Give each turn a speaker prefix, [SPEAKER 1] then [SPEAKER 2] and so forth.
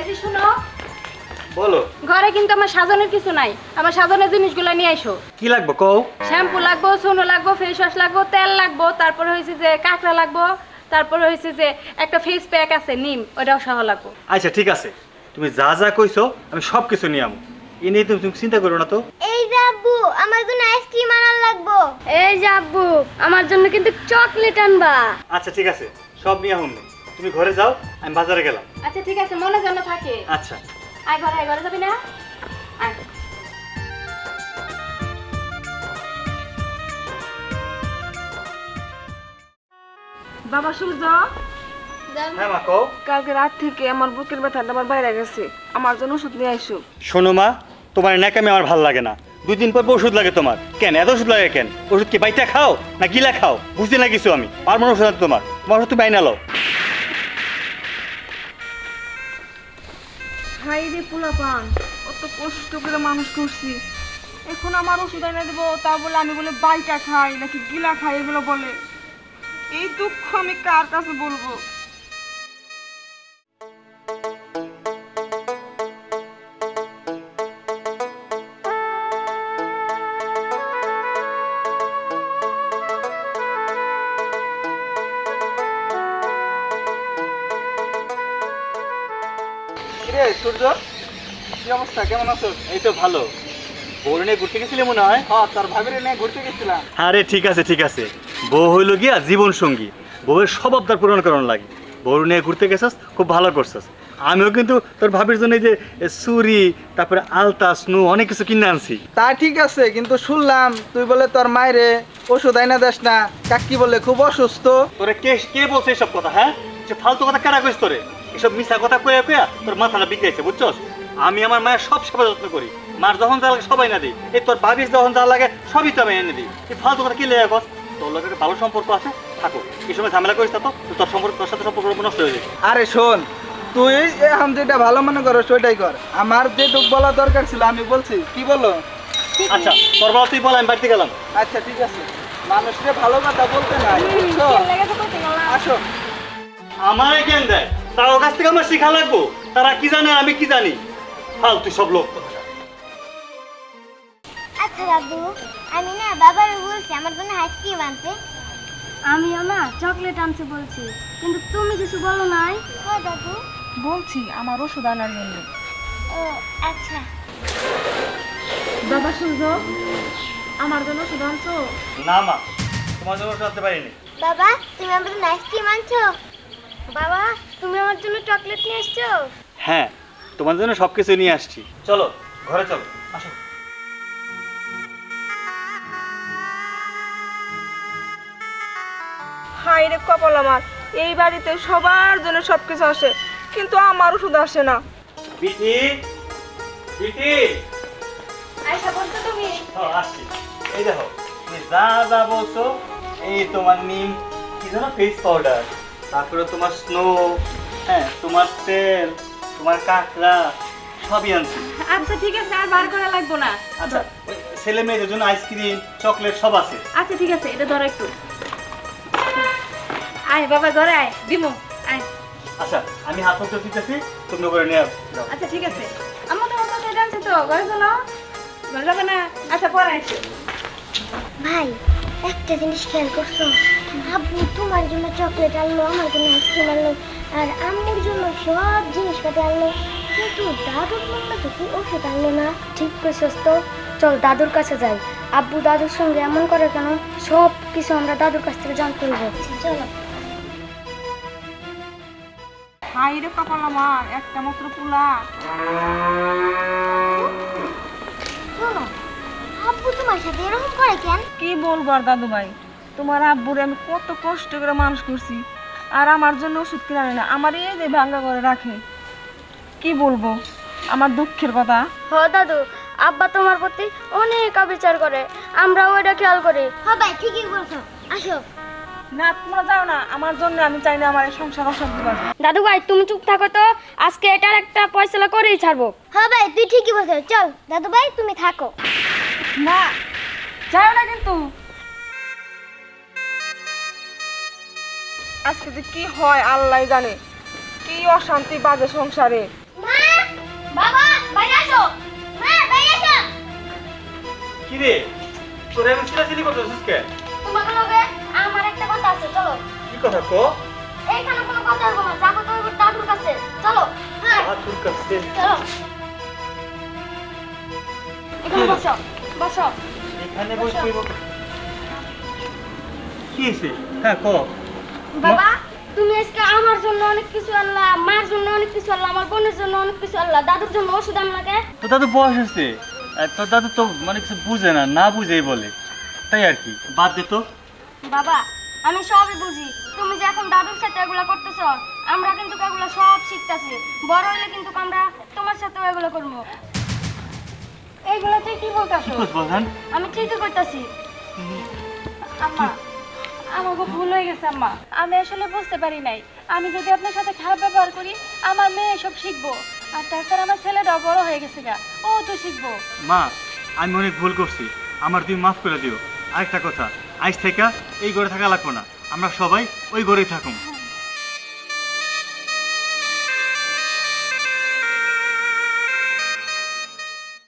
[SPEAKER 1] এই যে শুনো,
[SPEAKER 2] বলো।
[SPEAKER 1] ঘরে কিন্তু আমার সাজানোর কিছু নাই, আমার সাজানোর জিনিসগুলো নিয়ে আইসো।
[SPEAKER 2] কি লাগবে কও?
[SPEAKER 1] শ্যাম্পু লাগবো, সোনো লাগবো, ফেস ওয়াশ লাগবো, তেল লাগবো, তারপরে হয়েছে যে কাঁকড়া লাগবো, তারপরে হয়েছে যে একটা ফেস প্যাক আছে নিম, ওটাও সহ লাগবো।
[SPEAKER 2] আচ্ছা ঠিক আছে, তুমি যা যা কইছো আমি সব কিছু নিয়ে আমো। এ নিয়ে তুমি চিন্তা করো না তো।
[SPEAKER 3] এই যে আব্বু, আমার জন্য আইসক্রিম আনার লাগবো।
[SPEAKER 1] এই যে আব্বু, আমার জন্য কিন্তু চকলেট আনবা।
[SPEAKER 2] আচ্ছা ঠিক আছে, সব নিয়ে আহুন। তুমি ঘরে যাও, আমি বাজারে গেলাম।
[SPEAKER 1] আচ্ছা ঠিক আছে, মনে যেন থাকে।
[SPEAKER 2] আচ্ছা।
[SPEAKER 1] আয় ঘরে যাবি না? আয়।
[SPEAKER 4] বাবা সূর্য,
[SPEAKER 2] হ্যাঁ মা কও।
[SPEAKER 4] কালকে রাত থেকে আমার বুকের ব্যথাটা আমার বাইরে গেছে, আমার জন্য ওষুধ নিয়ে আইসো।
[SPEAKER 2] শোনো মা, তোমার ন্যাকামি আমার ভালো লাগে না। 2 দিন পর পর ওষুধ লাগে তোমার। কেন এত ওষুধ লাগে কেন? ওষুধ কি বাইটা খাও না গিলা খাও? বুঝতে না কিছু আমি। পারবো না ওষুধ আনতে তোমার ওষুধ তুমি আইনা লও।
[SPEAKER 4] হাই রে পোলা পান, অত কষ্ট করে মানুষ করছি, এখন আমার ওষুধ এনে দেবো, তা বলে আমি বলে বাইটা খাই নাকি গিলা খাই এগুলো বলে। এই দুঃখ আমি কার কাছে বলবো?
[SPEAKER 2] রে সূর্য, কি অবস্থা, কেমন আছো? এই তো ভালো। বউ নিয়ে ঘুরতে গেছিলে মনে হয়?
[SPEAKER 5] হ্যাঁ, তোর ভাবিরে নিয়ে ঘুরতে গেছিলাম।
[SPEAKER 2] আরে ঠিক আছে ঠিক আছে, বউ হইল গিয়া জীবন সঙ্গী, বউয়ের সব আবদার পূরণ করানো লাগে। বউ নিয়ে ঘুরতে গেছস, খুব ভালো করছস। আমিও কিন্তু তোর ভাবির জন্য এই যে চুরি, তারপরে আলতা স্নু অনেক কিছু কিনে আনছি।
[SPEAKER 5] তা ঠিক আছে, কিন্তু শুনলাম তুই বলে তোর মায়েরে ওষুধ আইনা দেস না, কাকি বলে খুব অসুস্থ।
[SPEAKER 2] তোরে কে কে বলছে এসব কথা? হ্যাঁ, যে ফালতু কথা কারা কইস তোরে? এসব মিছা কথা কইয়া কইয়া তোর মাথাটা বিগড়াইছে, বুঝছস? আমি আমার মায়ের সব সেবা যত্ন করি। মার যখন যা লাগে সবাই না দিই, এই তোর ভাবির যখন যা লাগে সবই তো আমি এনে দিই। এই ফালতু কথা কি লেগে কস? তোর লোকের ভালো সম্পর্ক আছে, থাকো। এই সময় ঝামেলা করিস না তো, তোর সম্পর্ক, তোর সাথে সম্পর্ক নষ্ট হয়ে যাবে।
[SPEAKER 5] আরে শোন, তুই এখন যেটা ভালো মনে করো সেটাই কর। আমার যেটুক বলা দরকার ছিল আমি বলছি, কি বলো?
[SPEAKER 2] আচ্ছা তোর বলা তুই বল, আমি বাড়িতে গেলাম।
[SPEAKER 5] আচ্ছা ঠিক আছে, মানুষকে ভালো কথা বলতে নাই, বুঝছো? আসো।
[SPEAKER 2] আমার জ্ঞান দেয়, তার কাছ থেকে আমার শিখা লাগবো। তারা কি জানে আর আমি কি জানি? ফালতু সব লোক।
[SPEAKER 3] আচ্ছা দাদু, আমি না বাবার বলছি আমার জন্য আইসক্রিম আনতে।
[SPEAKER 1] আমিও না চকলেট আনতে বলছি, কিন্তু তুমি কিছু বলো নাই।
[SPEAKER 3] হ্যাঁ দাদু।
[SPEAKER 4] বলছি আমার ওষুধ আনার জন্য।
[SPEAKER 3] ও আচ্ছা।
[SPEAKER 4] বাবা সূর্য, আমার জন্য ওষুধ আনছো?
[SPEAKER 2] না মা, তোমার জন্য জানতে পারিনি।
[SPEAKER 3] বাবা, তুমি আমার জন্য আইসক্রিম আনছো? বাবা, তুমি আমার জন্য চকলেট নিয়ে আসছো?
[SPEAKER 2] হ্যাঁ, তোমার জন্য সবকিছু নিয়ে আসছি। চলো ঘরে চলো, আসো।
[SPEAKER 4] হাই রে কপাল আমার, এই বাড়িতে সবার জন্য সবকিছু আসে, কিন্তু আমার ওষুধ আসে না।
[SPEAKER 2] বিটি, বিটি,
[SPEAKER 1] আয়শা বলছো তুমি?
[SPEAKER 2] আসছি। এই দেখো, তুমি যা যা বলছো, এই তোমার নিম, কি জানো ফেস পাউডার, তারপরে তোমার স্নো, হ্যাঁ তোমার তেল, তোমার কাঁকড়া, সবই আনছি।
[SPEAKER 1] আচ্ছা ঠিক আছে, আর বার করা লাগবো না।
[SPEAKER 2] আচ্ছা, ওই ছেলে মেয়েদের জন্য আইসক্রিম, চকলেট সব আছে।
[SPEAKER 1] আচ্ছা ঠিক আছে, এটা ধরো একটু। আয় বাবা, ঘরে আয়, দিমু, আয়।
[SPEAKER 2] আচ্ছা, আমি হাত মুখ দিতেছি, তুমি করে নিয়ে যাও।
[SPEAKER 1] আচ্ছা ঠিক আছে, আমার তো মতো এটা আনছে তো, ঘরে চলো। ঘরে যাবে না? আচ্ছা পরে আসো।
[SPEAKER 3] ভাই, একটা জিনিস খেয়াল করছো? আব্বু তোমার জন্য চকলেট আনলো, আমার জন্য আইসক্রিম আনলো, আর আম্মুর জন্য সব জিনিসপাতি আনলো, কিন্তু দাদুর জন্য তো কি ওষুধ আনলো না?
[SPEAKER 6] ঠিক কইছস তো, চল দাদুর কাছে যাই। আব্বু দাদুর সঙ্গে এমন করে কেন? সব কিছু আমরা দাদুর কাছ থেকে জানতে হইব।
[SPEAKER 3] চলো।
[SPEAKER 4] হাই রে কপাল আমার, একটা মাত্র পোলা।
[SPEAKER 3] শোনো, আব্বু তোমার সাথে এরকম করে কেন?
[SPEAKER 4] কি বলবো আর দাদু ভাই, তোমার আব্বুরে আমি কত কষ্ট করে মানুষ করছি, আর আমার জন্য ওষুধ কিনে আনে না, আমার এই যে ভাঙ্গা করে রাখে। কি বলবো আমার দুঃখের কথা।
[SPEAKER 6] হ দাদু, আব্বা তোমার প্রতি অনেক অবিচার করে, আমরাও এটা খেয়াল করি।
[SPEAKER 3] হ্যাঁ ভাই, ঠিকই বলছো, আসো।
[SPEAKER 4] না তোমরা যাও না, আমার জন্য আমি চাই না আমার এই সংসার অশান্তি বাজে।
[SPEAKER 6] দাদু ভাই তুমি চুপ থাকো তো, আজকে এটার একটা ফয়সালা করেই ছাড়বো।
[SPEAKER 3] হ্যাঁ ভাই, তুই ঠিকই বলছো, চল দাদু ভাই তুমি থাকো।
[SPEAKER 4] না যাও না কিন্তু। আজকে যে কি হয় আল্লাহ জানে, কি অশান্তি বাজে সংসারে।
[SPEAKER 3] মা, বাবা বাইরে আসো, মা বাইরে আসো।
[SPEAKER 2] কি রে তোর এমন চিলাচিলি করতেছিস কে?
[SPEAKER 3] তোমাকে লগে আমার একটা কথা আছে, চলো।
[SPEAKER 2] কি কথা ক?
[SPEAKER 3] এইখানে কোনো কথা হবে না, যাবো তো ওই দাদুর কাছে, চলো। হ্যাঁ
[SPEAKER 2] তোর কাছে
[SPEAKER 3] চলো।
[SPEAKER 1] এখানে বসো বসো।
[SPEAKER 2] এখানে বসে কইব কি হইছে? হ্যাঁ ক।
[SPEAKER 6] বাবা তুমি আজকে আমার জন্য অনেক কিছু আনলা, মার জন্য অনেক কিছু আনলা, আমার বোনের জন্য অনেক কিছু আনলা, দাদুর জন্য ওষুধ আনলাকে।
[SPEAKER 2] তো দাদু বয়স হচ্ছে, তোর দাদু তো মানে কিছু বুঝে না, না বুঝেই বলে, তাই আর কি। বাদ দে তো।
[SPEAKER 6] বাবা আমি সবই বুঝি, তুমি যে এখন দাদুর সাথে এগুলো করতেছো, আমরা কিন্তু এগুলো সব শিখতেছি, বড় হইলে কিন্তু আমরা তোমার সাথেও এগুলো করবো।
[SPEAKER 1] এইগুলো তুই কি বলতাছ?
[SPEAKER 2] কি করছ বলহান?
[SPEAKER 6] আমি ঠিকই করতেছি।
[SPEAKER 1] আম্মা আমার খুব ভুল হয়ে গেছে আম্মা, আমি আসলে বুঝতে পারি নাই। আমি যদি আপনার সাথে খারাপ ব্যবহার করি আমার মেয়ে সব শিখবো, আর তাছাড়া আমার ছেলেটাও বড় হয়ে গেছে গা, ও তো শিখবো।
[SPEAKER 2] মা আমি অনেক ভুল করছি, আমার তুমি মাফ করে দিও। আরেকটা কথা, আজ থেকে এই ঘরে থাকা লাগবে না, আমরা সবাই ওই ঘরেই থাকুন।